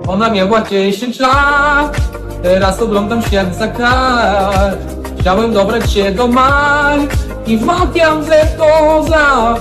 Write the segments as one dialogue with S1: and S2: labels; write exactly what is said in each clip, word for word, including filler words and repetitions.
S1: Ona miała dziesięć lat, teraz oglądam świat za kar. Chciałem dobrać się do Maj i wmawiam, że to za...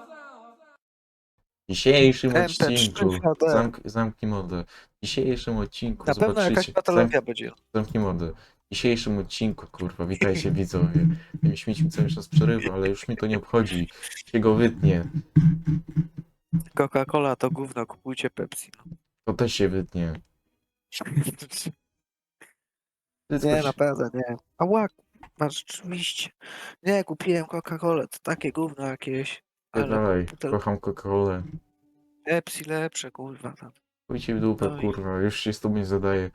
S2: W dzisiejszym
S3: M P trzy
S2: odcinku,
S3: H D.
S2: zamk, zamknij mordę. W dzisiejszym odcinku
S3: Na pewno jakaś
S2: zobaczycie...
S3: patologia
S2: Zamk,
S3: będzie.
S2: zamknij mordę. W dzisiejszym odcinku, kurwa, witajcie widzowie. Tym śmieci cały czas przerywa, ale już mi to nie obchodzi. Się go wytnie.
S3: Coca-Cola to gówno, kupujcie Pepsi. No.
S2: To też się wytnie. Wszystko
S3: Nie,
S2: się-
S3: naprawdę nie. Ała, masz rzeczywiście. Nie, kupiłem Coca-Colę, to takie gówno jakieś. Ale
S2: Dalej,
S3: to
S2: kocham Coca-Colę.
S3: Pepsi lepsze, kurwa. Tam.
S2: Pójdźcie w dupę,
S3: No i-
S2: kurwa, już się z tobą nie zadaje.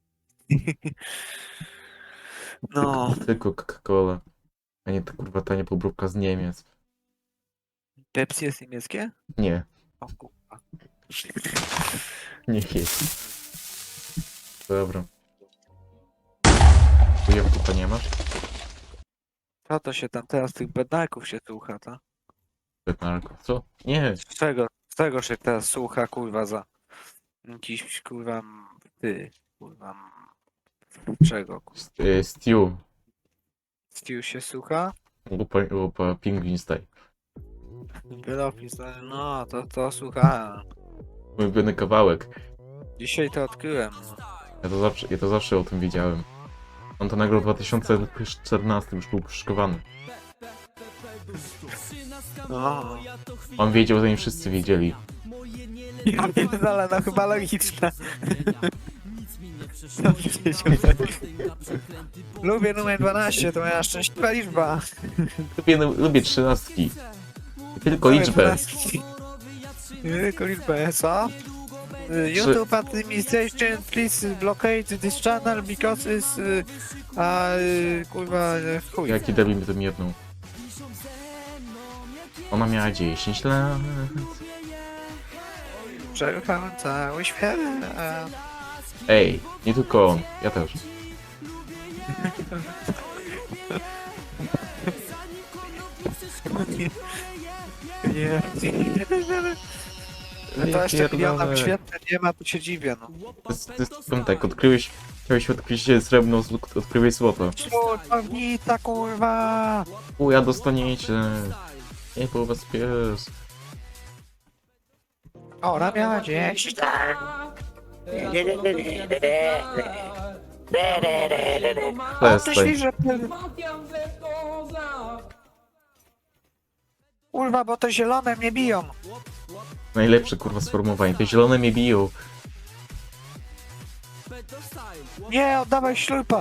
S3: No,
S2: Tylko Coca-Cola. A nie ta kurwa tania pobróbka z Niemiec.
S3: Pepsi jest niemieckie?
S2: Nie,
S3: O kurwa.
S2: nie jest. Dobra. Ujemku nie masz?
S3: Co to się tam teraz tych bednaków się słucha, ta?
S2: Betnarko. Co? Nie.
S3: Z czego, z czego się teraz słucha, kurwa, za jakiś, kurwa, m, ty, kurwa, m, czego, kurwa?
S2: S- y, Stew.
S3: Stew się słucha?
S2: Lupa, lupa pingwin style.
S3: Wyrobki, no, to, to słuchałem.
S2: Mój ulubiony kawałek.
S3: Dzisiaj to odkryłem.
S2: Ja to zawsze, ja to zawsze o tym wiedziałem. On to nagrał w dwa tysiące czternastym, już był puszczkowany.
S3: No.
S2: On wiedział, zanim wszyscy wiedzieli.
S3: Ja pierdolę, no chyba logiczne. Lubię numer dwanaście, to moja szczęśliwa liczba.
S2: Lubię, lubię trzynastki. Tylko liczbę.
S3: Tylko liczbę, co? YouTube administration, please blockade this channel because it's... y, A, y, kurwa, y, chuj.
S2: Jaki debil mi tym jedną. Ona miała dziesięć lat.
S3: Przejechałem cały świat.
S2: Ej, nie tylko on, ja też.
S3: Nie. To jeszcze milionów świetne nie ma, to się dziwię, no.
S2: To jest, to jest, powiem tak, odkryłeś, chciałeś odkryć srebrno, zł- odkryłeś złoto.
S3: Człownica, kurwa!
S2: Uja dostaniecie. Nie po was pies.
S3: Ona miała dziesięć. O, ty
S2: Przestań.
S3: świrze,
S1: Wmawiam, że to za...
S3: kurwa, bo te zielone mnie biją.
S2: Najlepsze kurwa sformułowanie, te zielone mnie biją.
S3: Nie, oddawaj ślupa.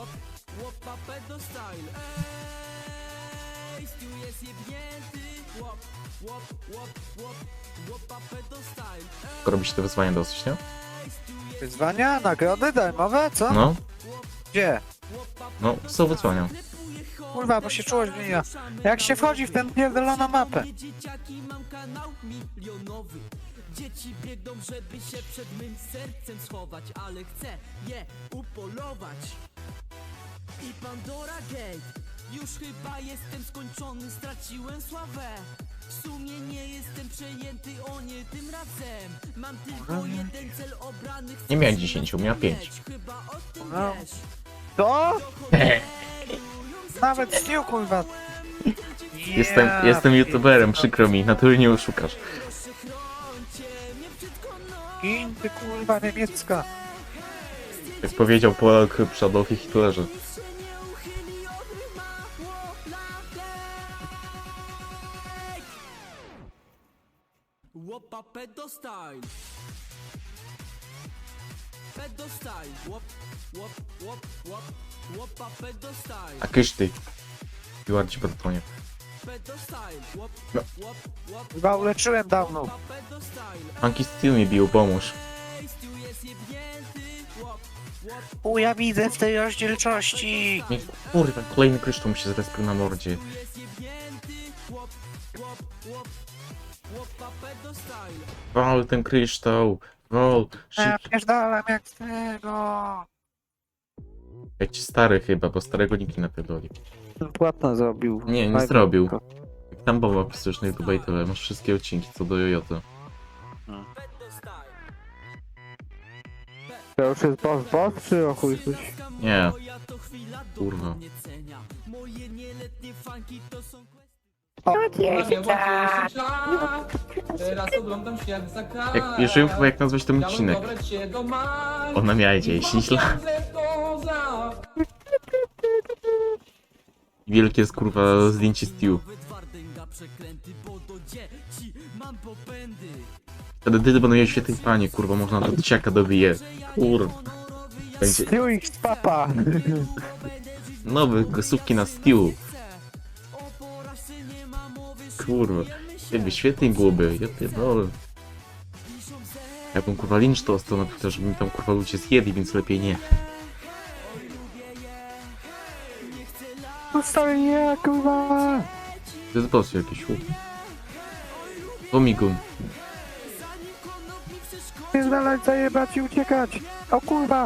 S2: Tylko robić te wyzwania dosyć, nie?
S3: Wyzwania, nagrody darmowe, co?
S2: No,
S3: Gdzie?
S2: no, są wyzwania.
S3: Kurwa, bo się czułość zmienia. Jak się wchodzi w tę pierdoloną mapę?
S4: Dzieciaki, mam kanał milionowy. Dzieci biegną, żeby się przed mym sercem schować, ale chcę je upolować. I Pandora Gate, już chyba jestem skończony, straciłem sławę. W sumie nie jestem przejęty, o nie tym razem. Mam tylko jeden cel obrany. chcę
S2: Nie miałem dziesięciu, miałem pięć.
S4: Chyba o tym
S3: No.
S4: wiesz.
S3: To? Nawet Stew, kurwa.
S2: Jestem,
S3: Ja
S2: jestem youtuberem,
S3: pierdolę.
S2: przykro mi, natury nie oszukasz.
S3: Gin, ty kurwa niemiecka.
S2: Jak powiedział Polak przy Adolfie Hitlerze.
S4: Łopa pedostyle. Pedostyle. Łop, łop, łop, łop. Łopa pedostyle.
S2: A kysz ty. Piłar ci bratonie.
S4: Pedostyle. Łop,
S2: No.
S4: łop, łop.
S3: Chyba uleczyłem dawno.
S4: Łopa pedostyle.
S2: Funky Steel mnie bił, pomóż.
S4: Stu jest jebnięty. Łop, łop.
S3: U, ja widzę w tej rozdzielczości.
S2: Nie, kurwa, kolejny kryształ mi się zrespił na mordzie.
S4: Tu jest jebnięty. Łop, łop, łop. Łopa pedostyle.
S2: Wal ten kryształ. Wal.
S3: Ja
S2: Szyb...
S3: pierdalam jak z tego.
S2: Jak ci stary chyba, bo starego nikt nie napierdoli.
S3: Płatno zrobił.
S2: Nie, nie zrobił. Jak tam bomba wpisujesz na YouTube i tyle, masz wszystkie odcinki co do Jojota.
S4: Pedostyle.
S3: To już jest boss boss, czy o chuj coś?
S2: Nie. Kurwa.
S1: Teraz oglądam świat za kar.
S2: Jak, już wiem chyba jak nazwać ten
S1: Chciałem
S2: odcinek.
S1: dobrać się do mar.
S2: Ona miała dziesięć lat.
S1: Wmawiam, że to za-
S2: Wielkie jest kurwa zdjęcie Stew. Wtedy ty będą mieli świetnej panie, kurwa, można do dzieciaka dobije. Kurwa. Będzie
S3: Stew X papa!
S2: nowe głosówki na Stew. Kurwa. Jakby świetnie byłoby, ja pierdolę. Jakbym kurwa lincz to ostał na Twitter, żeby mi tam kurwa ludzie zjedli, więc lepiej nie.
S3: Zostawię nie, kurwa!
S2: To jest boss jakiś, chłop. Omigun.
S3: Pierdalać, zajebać i uciekać! O kurwa!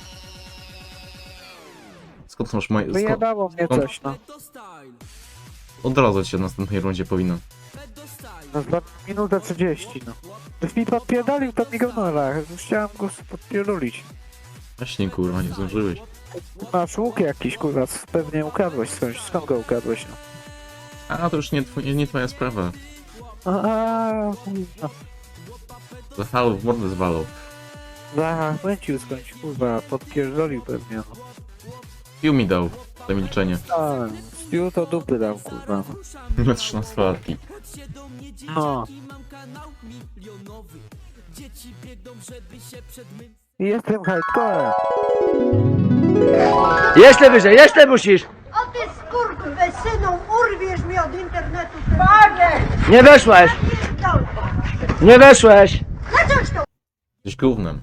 S2: Skąd masz moje... Skąd...
S3: Wyjebało mnie
S2: skąd-
S3: coś, no.
S2: Odradzać się w następnej rundzie powinno.
S3: No za minutę trzydzieści, no. Byś mi podpierdolił, to mi go nora. Już chciałem go podpierdolić.
S2: Właśnie kurwa, nie zdążyłeś.
S3: Masz łuk jakiś, kurwa, pewnie ukradłeś skądś. Skąd go ukradłeś, no?
S2: A to już nie, tw- nie twoja sprawa.
S3: Aaa, kurwa.
S2: Zachwał w mordę zwalał.
S3: Zachęcił skądś, kurwa, podpierdolił pewnie, no.
S2: Pił mi dał za milczenie.
S3: A, Stew to dupy dał, kurwa.
S2: Na trzynastolatki.
S3: No. Jestem hardcorem.
S5: Jeszcze wyżej, jeszcze musisz!
S6: O ty skurwysynu, urwiesz mi od internetu. Panie!
S5: Nie weszłeś! Nie weszłeś!
S6: Na coś to?
S2: Jesteś gównem.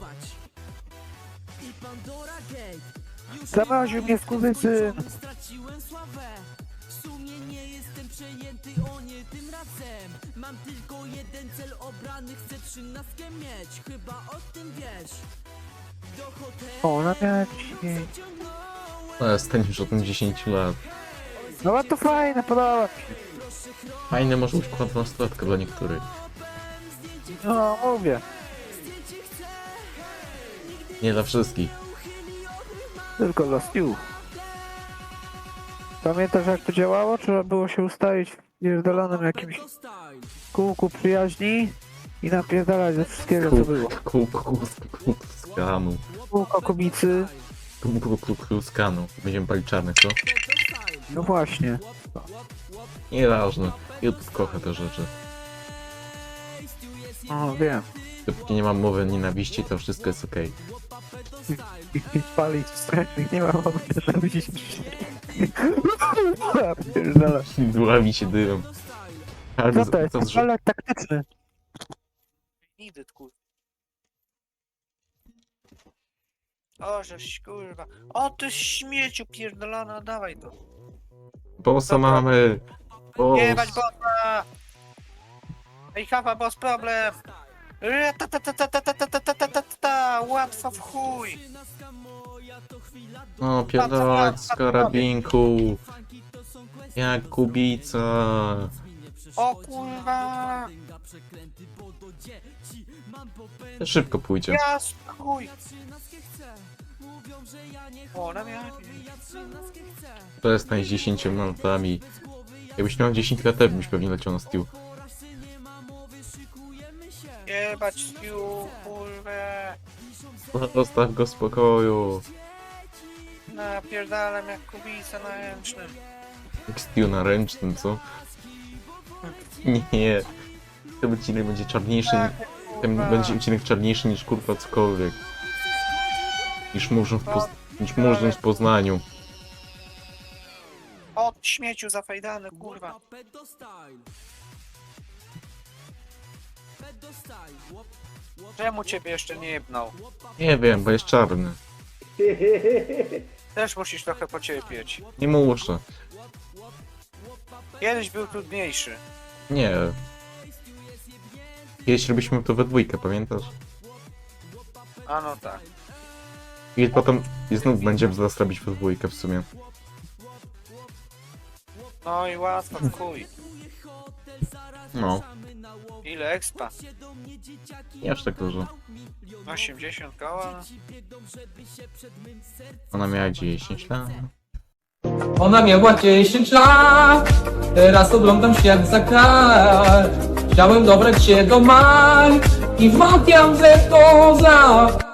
S3: Zamroził mnie skurwysyn.
S4: Straciłem sławę. W sumie nie jestem przejęty, o nie tym razem. Mam tylko jeden cel obrany, chcę trzynastkę mieć. Chyba o tym wiesz. Do hotelu
S3: O, na mnie.
S2: No ja staniesz od tym dziesięć lat.
S3: No to fajne, podoba mi się.
S2: Fajne może być dwunastolatka dla niektórych.
S3: No, mówię.
S2: Nie dla wszystkich.
S3: Tylko dla Stew. Pamiętasz jak to działało? Trzeba było się ustawić w pierdolonym jakimś kółku przyjaźni i napierdalać ze wszystkiego co było.
S2: Kół, kół, kół, skanu.
S3: Kółko kubicy.
S2: Kół, kół, kół, kół, skanu. Będziemy palić czarnych, co?
S3: No właśnie.
S2: Nieważne. YouTube kocha te rzeczy.
S3: O, wiem.
S2: Dopóki nie mam mowy nienawiści, to wszystko jest okej.
S3: I palić strasznych nie ma mowy, żeby się Ja pierdolę.
S2: Dławi się dymem. Ale
S3: Co to jest?
S2: to, że...
S3: Palek taktyczny. Nigdy, kurwa. O, żeś kurwa. O, ty śmieciu pierdolona, dawaj to.
S2: Bossa mamy!
S3: Jebać
S2: Boss!
S3: bossa! Ej, hafa, boss problem! Re, ta, ta, ta, ta, ta, ta, ta, ta, ta, ta, ta, ta, łatwo w chuj!
S2: No, pierdolać z karabinku! Jak kubica!
S3: O kurwa!
S2: Szybko pójdzie.
S3: Ja chuj! O, na mnie.
S2: To jest z dziesięcioma latami. Jakbyś miał dziesięć lat, to byś pewnie leciał na Stew.
S3: Jebać Stew, kurwa!
S2: Zostaw go w spokoju.
S3: Napierdalam jak kubica na ręcznym.
S2: Jak Stew na ręcznym, co? Nie. Ten odcinek będzie czarniejszy. Ten będzie odcinek czarniejszy niż kurwa cokolwiek. Niż murzyn w, Poz... niż murzyn w Poznaniu.
S3: Od śmieciu zafajdany, kurwa. Czemu ciebie jeszcze nie jebnął?
S2: Nie wiem, bo jest czarny.
S3: Też musisz trochę pocierpieć.
S2: Nie muszę.
S3: Kiedyś był trudniejszy.
S2: Nie. Kiedyś robiliśmy to we dwójkę, pamiętasz?
S3: A no tak.
S2: I potem i znów będziemy zaraz robić we dwójkę w sumie.
S3: No i łatwo w chuj.
S2: No.
S3: Ile expa?
S2: Nie aż tak dużo.
S3: osiemdziesiąt koła?
S2: Ona miała dziesięć lat.
S1: Ona miała dziesięć lat, teraz oglądam świat za kar. Chciałem dobrać się do Maj i wmawiam, że to za